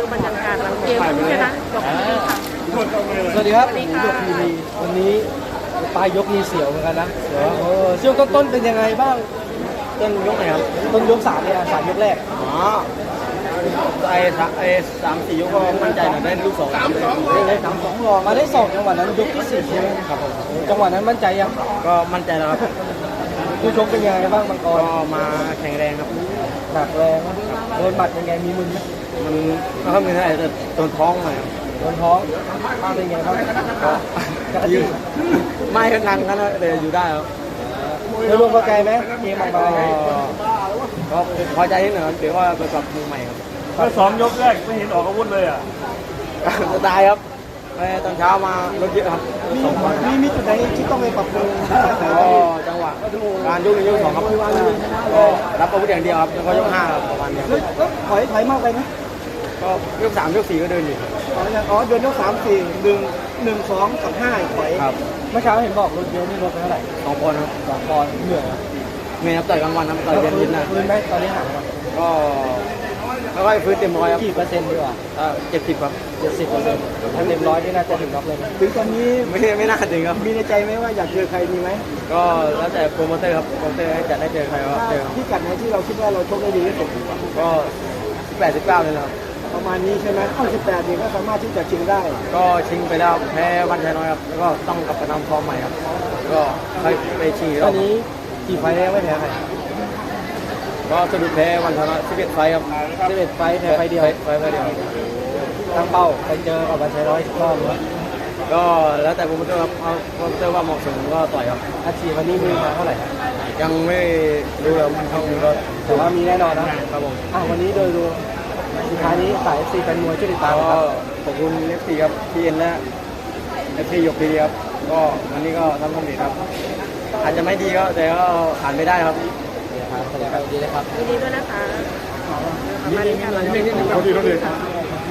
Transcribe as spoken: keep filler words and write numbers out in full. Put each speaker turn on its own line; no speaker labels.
ดูบรรยากาศหลังเกมผู้ชนะยกนี้ค่ะ
สวัสดีครับ
สวัสดี
ผม
ค่ะ
หยกพีรีวันนี้ปลายยกมีเสียวเหมือนกันนะเสียวเออช่วงต้นๆเป็นยังไงบ้าง
ต้นยกไหนครับ
ต้นยกสามเนี่ยสามยกแรก
อ๋อไอ้สามไอ้สามสี่ยกก็มั่นใจหน่อยได้ลูกสองเลย
ได้สามสองรองมาได้สองจังหวะนั้นยกที่สี่ใช่ไหมครับผมจังหวะนั้นมั่นใจยัง
ก็มั่นใจแล้วครับ
ผู้ชกเป็นยังไงบ้างบางก
ก็
ร
มาแข็งแรงครับ
หนักแรงนะโดนบัดยังไงมีมึนไหม
มันไม่ค่อยมีเท่าไหร่แต่โดนท้องหน่อยครับ
โดนท้องเป็นไงบ้างก็กระ
ยื
ติ้
ดไม่ก็นั่งกันนะแต่อยู่ได้ครับ
โดยรวมพอใจไหมเกมออกมา
ก็ก็พอใจนิดหน่อยครับถือว่าเป็นกับมือใหม่ครับ
เมื่อสองยกแรกไม่เห็นออกอาวุธเลยอ่ะ
สไตล์ครับไปตอนเช้ามารถเยอะครับ
มี
สองวัน
มีมีจุดไหนที่ต้องไปปรับปรุง
ก็จังหวะการยกหนึ่งยกสองครับก็รับอาวุธอย่างเดียวครับแล้วก็ยกห้าครับประมาณนี้
แล้วแล้วถอยถอยมากไปไหม
ก็ยกสามยกสี่ก็เดินอยู่
อ๋ออย่างอ๋อเดือนยกสามสี่หนึ่งหนึ่งสองกับห้าถอย
ครับ
เมื่อเช้าเห็นบอกรถเยอะนี่รถไปเท่าไหร่
สองคนครับ
สองปอนด์เหนื่อยอะ
เมย์ครับต่อยกลางวันครับต่อยเย็นยินนะ
ฟื้นไหมตอนนี้ห่างกัน
ก็ค่อยๆฟื้นเต็มร้อยครับ
กี่เปอร์เซ็นต์ดีกว่า
เจ็ดสิบครับ
เจ็ดสิบเปอร์เซ็นต์ถ้าเต็มร้อยนี่น่าจะถึงน็อกเลยนะถึงตอนนี้
ไม่ไม่น่าถึงครับ
มีในใจไหมว่าอยากเจอใครดีไหม
ก็แล้วแต่โปรโมเตอร์ครับโปรโมเตอร์ให้จัดได้เจอใครก็เจอครับ
ที่กัดไหนที่เราคิดว่าเราชกได้ดีที่สุด
ก็สิบแปดสิบเก้าเลยนะครับ
ประมาณนี้ใช่ไหมข้อสิบแปดนี่ก็สามารถที่จะชิงได้
ก็ชิงไปแล้วแพ้วันชัยน้อยครับแล้วก็ต้องกลับไปทำฟอร์มใหม่ครับก็ค่อยไปชิงอีกร
ต
อ
อบ นนี้กี่ไฟล์แล้วไม่แพ้ใคร
ก็สะดุดแพ้วันชัยน้อยสิบเอ็ดไฟครับ
สิบเอ็ดไฟล์แพ้ไฟล์เดียว
ไฟไฟเดียว
ตั้งเป้าไปเจอกับวันชัยร้อยรอบเลย
ก็แล้วแต่โปรโมเตอร์ครับเอาโปรโมเตอร์ว่าเหมาะสมก็ต่อยครับ
อาชีพวันนี้มีมาเท่าไหร่
ยังไม่รู้เลยมันเท่าไหร่ก็
แต่ว่ามีแน่นอนนะครับ
ผม
อ่ะวันนี้โดยรวมสุดท้ายนี้สายสี่แฟนมวยช่วยติดตามนะค
ก็
รับ
ขอบคุณเอฟซีครับพีเอ็นและเอฟซียกพีครับก็วันนี้ก็ทำสำเร็จครับ อาจจะไม่ดีก็แต่ก็ผ่านไม่ได้ครับ
เดี๋ยวครับแสดงความยินดีนะครับ
ยินดีด้วยนะคะประมาณนี้ค่ะ
เขาดีเขาดี